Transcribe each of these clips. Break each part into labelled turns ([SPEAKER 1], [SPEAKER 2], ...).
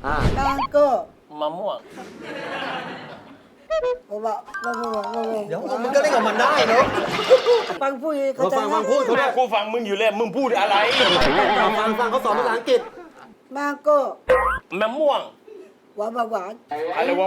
[SPEAKER 1] mango
[SPEAKER 2] มะม่วง
[SPEAKER 3] เดี๋ยวมึงก็เล่นกับมันได้เนาะ
[SPEAKER 1] ฟังพูดเขาใจ
[SPEAKER 3] ฟังพูดเขา
[SPEAKER 2] แม่
[SPEAKER 3] ได้
[SPEAKER 2] กูฟังมึงอยู่เลยมึงพูดอะไร
[SPEAKER 3] ฟังเขาสอนภาษาอังกฤษ
[SPEAKER 1] mango
[SPEAKER 2] มะม่วง
[SPEAKER 1] หวานหวาน
[SPEAKER 2] อะไรวะ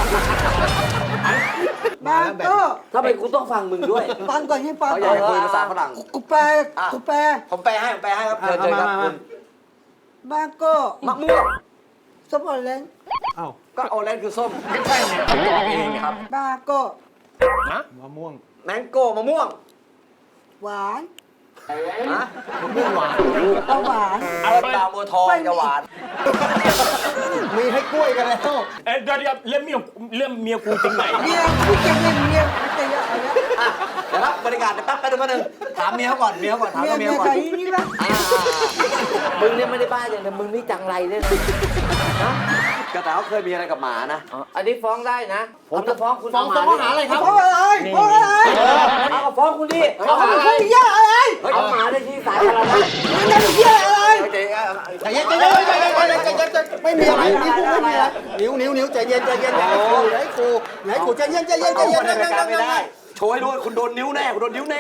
[SPEAKER 1] mango
[SPEAKER 4] ทำไมกูต้องฟังมึงด้วย
[SPEAKER 1] ฟังก่อนให้ฟัง
[SPEAKER 4] เขาอยา
[SPEAKER 1] ก่
[SPEAKER 4] ก
[SPEAKER 1] อน
[SPEAKER 4] คุยภาษาฝรั่ง
[SPEAKER 1] กูแปลกูแปล
[SPEAKER 4] ผมแปลให้ครับเชิญครับคุณ
[SPEAKER 1] mango
[SPEAKER 4] มะม่วง
[SPEAKER 1] ส้มโอเลน
[SPEAKER 3] อ้าว
[SPEAKER 4] ก็ออเรนจ์คือส้ม
[SPEAKER 2] ไม่ใช่เนี่ยเขาบอกเองครับ
[SPEAKER 1] mango
[SPEAKER 2] นะ
[SPEAKER 3] มะม่วง
[SPEAKER 4] แมงโก้มะม่วง
[SPEAKER 1] หวาน
[SPEAKER 4] ฮะ
[SPEAKER 3] มะม่วงหวาน
[SPEAKER 1] หวาน
[SPEAKER 4] เอาดาวบัวทองจะหวาน
[SPEAKER 3] มีให้กล้วยกันแล้ว
[SPEAKER 2] เดี๋ยวเรื่องเมียกูจริงไหน
[SPEAKER 1] เมียกูจะเมียกูจะเยอะอะไร
[SPEAKER 4] เดี๋ยวรับบริการแป๊บนึงถามเมียก่อนถาม
[SPEAKER 1] เมีย
[SPEAKER 4] เมีย
[SPEAKER 1] เมีย
[SPEAKER 4] ก่อน
[SPEAKER 1] ใครนี่ละ
[SPEAKER 4] มึงเนี่ยไม่ได้บ้าอย่างเดียวมึงนี่จังไรเนี่ยนะกระต่ายเขาเคยมีอะไรกับหมานะอันนี้ฟ้องได้นะ ผมจะฟ้องคุณ
[SPEAKER 3] ฟ้องข้อหาอะไรครับ
[SPEAKER 1] เพราะอะไรเพราะอะไร
[SPEAKER 4] เอาฟ้องคุณดิ
[SPEAKER 1] เขาพูดเยอะอะไร
[SPEAKER 4] เฮ้ยเอาหมาได้ที่สายอะไรนะ
[SPEAKER 1] มันจะเยอะอะไร
[SPEAKER 3] ใจเย็นไม่มีอะไรนิ้วไม่มีอะไรนิ้วใจเย็นไหนครูใจเย็นนั่ง
[SPEAKER 4] ไม่ได้โชว์ให้รู้คุณโดนนิ้วแน่คุณโดนนิ้วแน่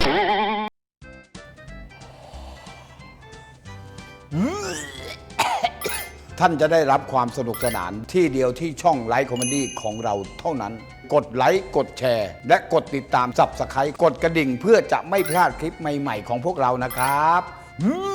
[SPEAKER 5] ท่านจะได้รับความสนุกสนานที่เดียวที่ช่องไลฟ์คอมเมดี้ของเราเท่านั้น กดไลค์กดแชร์ และกดติดตามSubscribeกดกระดิ่งเพื่อจะไม่พลาดคลิปใหม่ๆของพวกเรานะครับ